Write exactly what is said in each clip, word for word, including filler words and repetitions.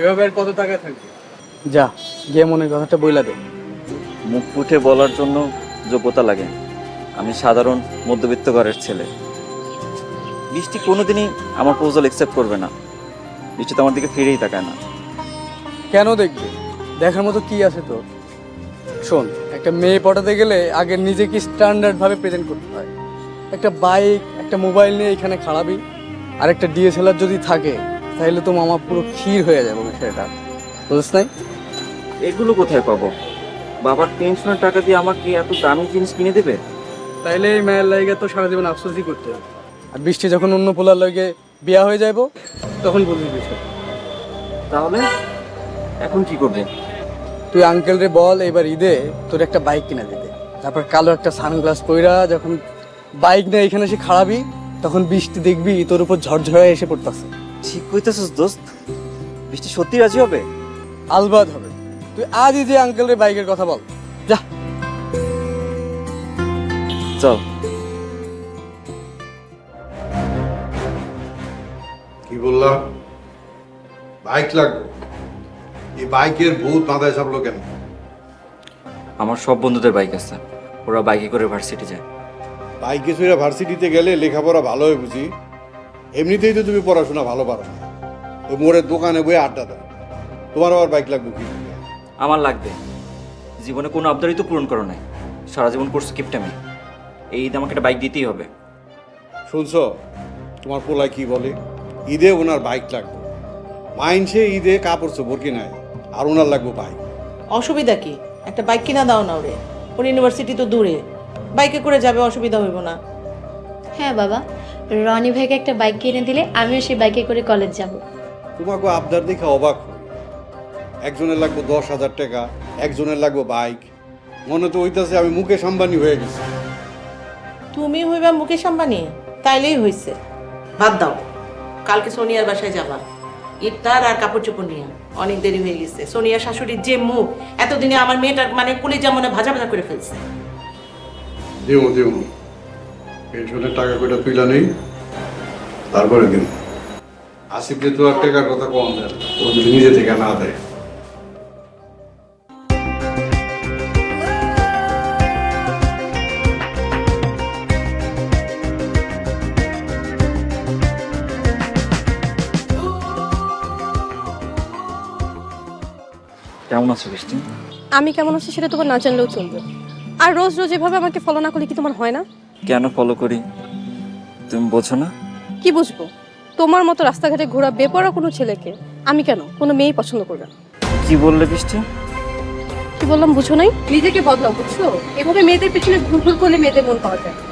এভাবে আর কত টাকা থাকবে? যা গিয়ে মনের কথাটা বইলা দে। মুখ ফুটে বলার জন্য যোগ্যতা লাগে। আমি সাধারণ মধ্যবিত্ত ঘরের ছেলে। বৃষ্টি কোনোদিনই আমার প্রপোজাল অ্যাকসেপ্ট করবে না। বৃষ্টি তো আমার দিকে ফিরেই তাকায় না। কেন দেখবে? দেখার মতো কি আছে তোর? শোন, একটা মেয়ে পটাতে গেলে আগে নিজেকে স্ট্যান্ডার্ডভাবে প্রেজেন্ট করতে হয়। একটা বাইক, একটা মোবাইল নিয়ে এখানে খাড়াবি, আর একটা ডিএসএলআর যদি থাকে তাহলে তো মামা পুরো ক্ষীর হয়ে যাবে বিষয়টা, বুঝছ নাই? এগুলো কোথায় পাবো? বাবার পেনশনের টাকা দিয়ে আমাকে এত দামি জিনিস কিনে দেবে? তাইলে এই মায়ের লাগে তো সারা জীবন আফসোসই করতে হবে। আর বৃষ্টি যখন অন্য পোলার লাগে বিয়া হয়ে যাইব তখন বুঝবি বিষয়। তাহলে এখন কি করবে? তুই আঙ্কেল রে বল এবার ঈদে তোর একটা বাইক কিনে দিতে। তারপর কালো একটা সানগ্লাস পইরা যখন বাইক নিয়ে এখানে এসে খাড়াবি তখন বৃষ্টি দেখবি তোর উপর ঝরঝরে এসে পড়তেছে। ঠিক কইতেছিস দোস্ত? বৃষ্টি সত্যি রাজি হবে? আলবাদ হবে। তুই আজই যে আঙ্কেল রে বাইকের কথা বল, যা। চল। কি বললাম? বাইক লাগবে? এই বাইকের ভূত মাথায় চাপলো কেন? আমার সব বন্ধুদের বাইক আছে, ওরা বাইকে করে ভার্সিটি যায়। বাইকে চড়ে ভার্সিটিতে গেলে লেখাপড়া ভালো হয় বুঝি? এমনিতেই তো তুমি পড়াশোনা ভালো পারো না, তো মোড়ের দোকানে বয়ে আড্ডা দাও। তোমার আবার বাইক লাগবে কি? আমার লাগবে। জীবনে কোনো আবদারই তো পূরণ করো নাই, সারা জীবন করছো কিপটামি। এই ঈদ আমাকে একটা বাইক দিতেই হবে। শুনছ তোমার পোলায় কি বলে? ঈদে ওনার বাইক লাগবে। মাইনসে ঈদে কাপড় চোপড় কিনায়, আর ওনার লাগবে বাইক। অসুবিধা কি? একটা বাইক কিনা দাও না ওরে। ওর ইউনিভার্সিটি তো দূরে, বাইকে করে যাবে, অসুবিধা হইব না? হ্যাঁ বাবা, রনি ভাইকে একটা বাইক কিনে দিলে আমিও সেই বাইকে করে কলেজ যাব। তোমাকে আবদার দেখে অবাক হই। একজনের লাগবে দশ হাজার টাকা, একজনের লাগবে বাইক। মনে তো হইতাছে আমি মুকেশ আম্বানি হয়ে গেছি। তুমি হইবা মুকেশ আম্বানি? তাইলেই হইছে। বাদ দাও, কালকে সোনিয়ার বাসায় যাবা ইফতার আর কাপড় চোপড় নিয়ে। অনেক দেরি হয়ে গেছে। সোনিয়ার শাশুড়ির যে মুখ, এতদিনে আমার মেয়েটার মানে কলিজা মনে ভাজা ভাজা করে ফেলছে। দেবো দেবো, পেনশনের টাকা কয়টা তুইলা নেই, তারপরে দিন। আসিফকে তো আর টাকার কথা কম দেয়, ও যদি নিজে থেকে না দেয়। কেমন আছো বৃষ্টি? আমি কেমন আছি সেটা তোমার না জানলেও চলবে। আর রোজ রোজ এভাবে আমাকে ফলো না করলে কি তোমার হয় না? কেন ফলো করি তুমি বোঝো না? কি বুঝবো? তোমার মতো রাস্তাঘাটে ঘোরা বেপরা কোনো ছেলেকে আমি কেন কোনো মেয়েই পছন্দ করবে না। কি বললে বৃষ্টি? কি বললাম বুঝো নাই? নিজেকে বদলাও, বুঝছো? এভাবে মেয়েদের পিছনে ঘুর ঘুর করলে মেয়েদের মন পাওয়া যায়।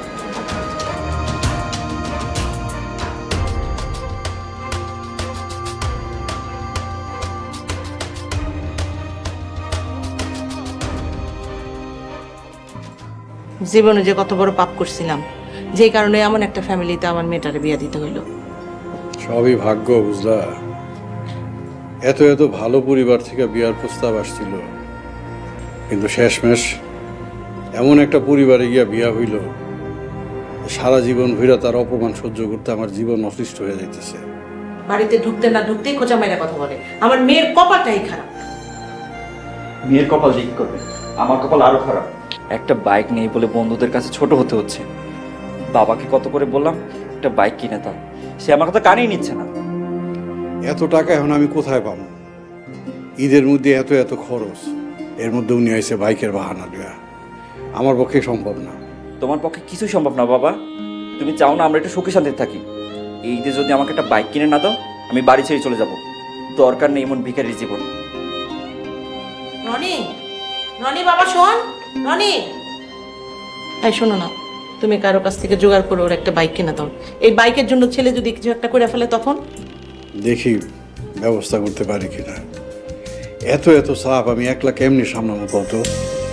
জীবনে যে কত বড় পাপ করছিলাম, যেই কারণে এমন একটা ফ্যামিলিতে আমার মেয়েটারে বিয়া দিতে হইলো। সবই ভাগ্য, বুঝলা? এত এত ভালো পরিবার থেকে বিয়ার প্রস্তাব আসছিল, কিন্তু শেষমেশ এমন একটা পরিবারে গিয়া বিয়া হইল, সারা জীবন ভইরা তার অপমান সহ্য করতে আমার জীবন অতিষ্ঠ হয়ে যাইতেছে। বাড়িতে ঢুকতে না ঢুকতেই খোঁচা মাইরা কথা বলে। আমার মেয়ের কপালটাই খারাপ। মেয়ের কপাল ঠিক করবে, আমার কপাল আরো খারাপ। একটা বাইক নেই বলে বন্ধুদের কাছে ছোট হতে হচ্ছে। বাবাকে কত করে বললাম একটা বাইক কিনে দাও, সে আমার কথা কানেই নিচ্ছে না। এত টাকা এখন আমি কোথায় পাবো? ঈদের মধ্যে এত এত খরচ, এর মধ্যে উনি আইসে বাইকের বাহানা দেওয়া আমার পক্ষে সম্ভব না। তোমার পক্ষে কিছুই সম্ভব না বাবা। তুমি চাও না আমরা একটু সুখে শান্তিতে থাকি। এই যে যদি আমাকে একটা বাইক কিনে না দাও, আমি বাড়ি ছেড়ে চলে যাব। দরকার নেই এমন ভিখারির জীবন। রনি, রনি বাবা শোন, রনি। এই শোনো না, তুমি কারো কাছ থেকে জোগাড় করে ওর একটা বাইক কিনে দাও। এই বাইকের জন্য ছেলে যদি কিছু একটা করে ফেলে তখন? দেখি ব্যবস্থা করতে পারি কিনা। এত এত চাপ আমি একলা কেমনি সামলাবো কত?